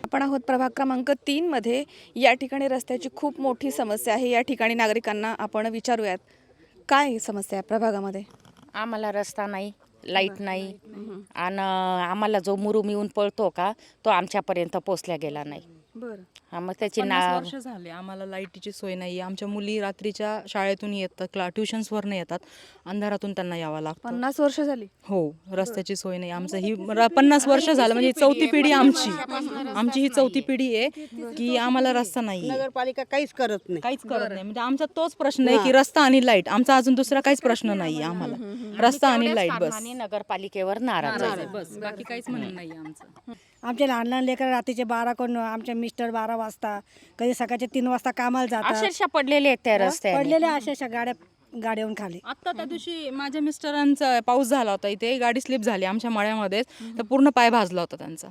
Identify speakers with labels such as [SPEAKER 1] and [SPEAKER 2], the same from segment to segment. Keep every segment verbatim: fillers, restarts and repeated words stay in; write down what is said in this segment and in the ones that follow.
[SPEAKER 1] आपण आहोत प्रभाग क्रमांक तीन मध्ये. या ठिकाणी रस्त्याची खूप मोठी समस्या आहे. या ठिकाणी नागरिकांना आपण विचारूयात काय समस्या आहे प्रभागामध्ये.
[SPEAKER 2] आम्हाला रस्ता नाही, लाईट नाही आणि आम्हाला जो मुरुम येऊन पळतो का तो आमच्यापर्यंत पोचल्या गेला नाही.
[SPEAKER 1] बरं.
[SPEAKER 2] हा, मग त्याची
[SPEAKER 3] पन्नास
[SPEAKER 2] ना
[SPEAKER 3] वर्ष झाले आम्हाला लाईटीची सोय नाही. आमच्या मुली रात्रीच्या शाळेतून येतात, क्ला ट्युशन्सवर नाही येतात, अंधारातून त्यांना यावं लागतं.
[SPEAKER 1] पन्नास वर्ष झाली.
[SPEAKER 3] हो, रस्त्याची सोय नाही. आमचं ही र- पन्नास वर्ष झालं म्हणजे चौथी पिढी आमची आमची ही चौथी पिढी आहे की आम्हाला रस्ता नाही,
[SPEAKER 4] नगरपालिका काहीच करत नाही.
[SPEAKER 3] काहीच करत नाही. म्हणजे आमचा तोच प्रश्न आहे की रस्ता आणि लाईट. आमचा अजून दुसरा काहीच प्रश्न नाही आम्हाला, रस्ता आणि लाईट बस.
[SPEAKER 2] आणि नगरपालिकेवर नाराज आहे.
[SPEAKER 3] बस बाकी काहीच म्हणणं नाही आमचं.
[SPEAKER 5] आमचे लहान लहान लेकर रात्रीचे बारा कोण आमचे मिस्टर बारा वाजता कधी सकाळचे तीन वाजता कामाला जातात.
[SPEAKER 2] अक्षरशः पडलेले आहेत त्या रस्त्याने.
[SPEAKER 5] पडलेल्या अशा गाड्या गाड्याहून खाली.
[SPEAKER 3] आता त्या दिवशी माझ्या मिस्टरांचा पाऊस झाला होता इथे, गाडी स्लिप झाली आमच्या मळ्यामध्येच, तर पूर्ण पाय भाजला होता त्यांचा.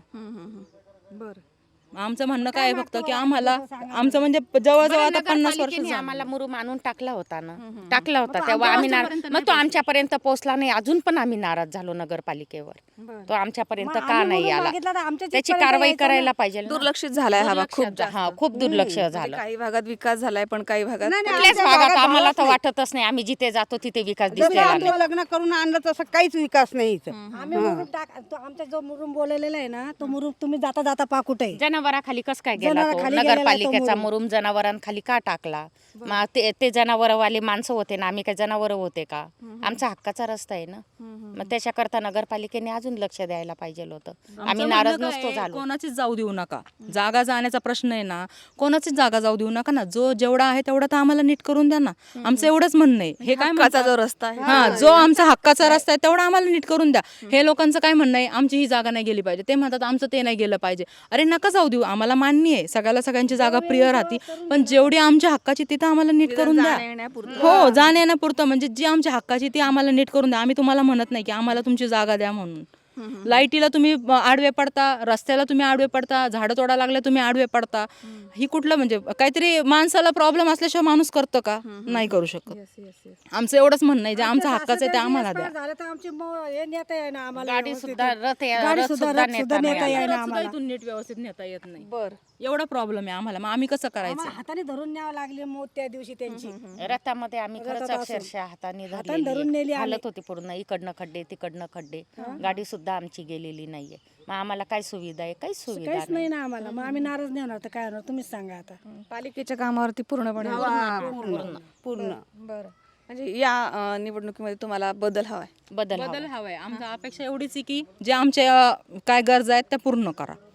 [SPEAKER 1] बरं.
[SPEAKER 3] आमचं म्हणणं काय आहे फक्त की आम्हाला आमचं म्हणजे जवळजवळ आता पन्नास वर्ष
[SPEAKER 2] नगरपालिकेने
[SPEAKER 3] झाली.
[SPEAKER 2] आम्हाला मुरुम आणून टाकला होता ना, टाकला होता तेव्हा आम्ही नाराज. मग तो आमच्यापर्यंत पोहोचला नाही, अजून पण आम्ही नाराज झालो नगरपालिकेवर. तो आमच्यापर्यंत का नाही आला, त्याची कारवाई करायला पाहिजे ना.
[SPEAKER 1] दुर्लक्षित झालाय हा भाग खूप
[SPEAKER 2] दुर्लक्ष- हा, खूप दुर्लक्ष झालं.
[SPEAKER 1] काही भागात विकास झालाय पण काही भागात
[SPEAKER 2] कुठल्याच भागात आम्हाला तर वाटतच नाही. आम्ही जिथे जातो तिथे विकास
[SPEAKER 4] जसं
[SPEAKER 2] दिसलेला नाही.
[SPEAKER 4] आमचं लग्न करून आणलं तसं काहीच विकास नाही इथं.
[SPEAKER 5] आम्ही मुरुम टाक तो आमचा जो मुरुम बोललेला आहे ना, तो मुरुम तुम्ही जाता जाता पाकुट आहे.
[SPEAKER 2] जनावराखाली कस काय गेला तो?
[SPEAKER 5] जनावराखाली गेलेला तो
[SPEAKER 2] नगरपालिकेचा
[SPEAKER 5] मुरुम.
[SPEAKER 2] मुरुम जनावरांखाली का टाकला? मग ते ते जनावरवाले माणसं होते ना, आम्ही काय जनावर होते का? आमचा हक्काचा रस्ता आहे ना, मग त्याच्याकरता नगरपालिकेने अजून लक्ष द्यायला पाहिजे होतं. आम्ही
[SPEAKER 3] आमचं
[SPEAKER 2] नाराज
[SPEAKER 3] म्हणणं काय
[SPEAKER 2] नसतो
[SPEAKER 3] आहे,
[SPEAKER 2] झालो.
[SPEAKER 3] कोणाचीच जाऊ देऊ नका. जागा जाण्याचा प्रश्न आहे ना, कोणाचीच जागा जाऊ देऊ नका ना. जो जेवढा आहे तेवढा तर आम्हाला नीट करून द्या ना. आमचं एवढंच म्हणणं आहे. हे काय
[SPEAKER 1] हक्काचा
[SPEAKER 3] म्हणतात?
[SPEAKER 1] जो रस्ता आहे
[SPEAKER 3] हा, जो आमचा हक्काचा रस्ता आहे तेवढा आम्हाला नीट करून द्या. हे लोकांचं काय म्हणणं आहे, आमची ही जागा नाही गेली पाहिजे. ते म्हणतात आमचं ते नाही गेलं पाहिजे. अरे नका जाऊ देऊ, आम्हाला मान्य आहे सगळ्याला सगळ्यांची जागा प्रिय राहते, पण जेवढी आमच्या हक्काची तिथं आम्हाला नीट करून द्या. हो, जाण्या येण्यापुरतं म्हणजे जी आमच्या हक्काची ती आम्हाला नीट करून द्या. आम्ही तुम्हाला म्हणत नाही की आम्हाला तुमची जागा द्या म्हणून. लाईटीला तुम्ही आडवे पडता, रस्त्याला तुम्ही आडवे पडता, झाडं तोडा लागले तुम्ही आडवे पडता. ही कुठलं म्हणजे काहीतरी माणसाला प्रॉब्लेम असल्याशिवाय माणूस करतं का? नाही करू शकत. आमचं एवढंच म्हणणं आहे, जे आमच्या हक्काचं आहे ते आम्हाला द्या.
[SPEAKER 5] झालं तर आमची मो- हे नेता आहे ना आम्हाला
[SPEAKER 2] गाडी
[SPEAKER 5] व्यवस्थित.
[SPEAKER 2] सुद्धा रथ या-
[SPEAKER 5] गाडी
[SPEAKER 2] रथ
[SPEAKER 5] सुद्धा-
[SPEAKER 2] सुद्धा
[SPEAKER 5] रथ
[SPEAKER 2] नेता
[SPEAKER 5] सुद्धा
[SPEAKER 2] नाही
[SPEAKER 5] नेता
[SPEAKER 2] आला.
[SPEAKER 5] येईना
[SPEAKER 3] सुद्धा
[SPEAKER 5] आम्हाला.
[SPEAKER 3] इथून नीट व्यवस्थित नेता येत नाही.
[SPEAKER 1] बरं.
[SPEAKER 3] एवढा प्रॉब्लेम आहे आम्हाला. मग आम्ही कसं करायचं?
[SPEAKER 5] आम्हाला हाताने धरून न्यावं लागले मग त्या दिवशी त्यांची.
[SPEAKER 2] रथामध्ये आम्ही खरंच
[SPEAKER 5] रथात असं.
[SPEAKER 2] अक्षरशः हाताने
[SPEAKER 5] हाताने धरून नेली
[SPEAKER 2] धरलेली
[SPEAKER 5] आम्ही.
[SPEAKER 2] हालत होती पूर्ण. इकडनं खड्डे तिकडनं खड्डे, गाडी सुद्धा आमची गेलेली नाहीये. मग आम्हाला काय सुविधा आहे? काही सुविधा
[SPEAKER 5] काहीच
[SPEAKER 2] नाही.
[SPEAKER 5] नाही ना आम्हाला. मग आम्ही नाराज नाही होणार तर काय होणार तुम्हीच सांगा आता.
[SPEAKER 1] पालिकेच्या कामावरती पूर्णपणे
[SPEAKER 4] हा, पूर्ण पूर्ण
[SPEAKER 1] बरं. म्हणजे या अं, निवडणुकीमध्ये तुम्हाला बदल हवाय.
[SPEAKER 2] बदल हवा.
[SPEAKER 3] बदल हवाय. आमच्या अपेक्षा एवढीच आहे की जे आमच्या अ, काय गरजा आहेत त्या पूर्ण करा.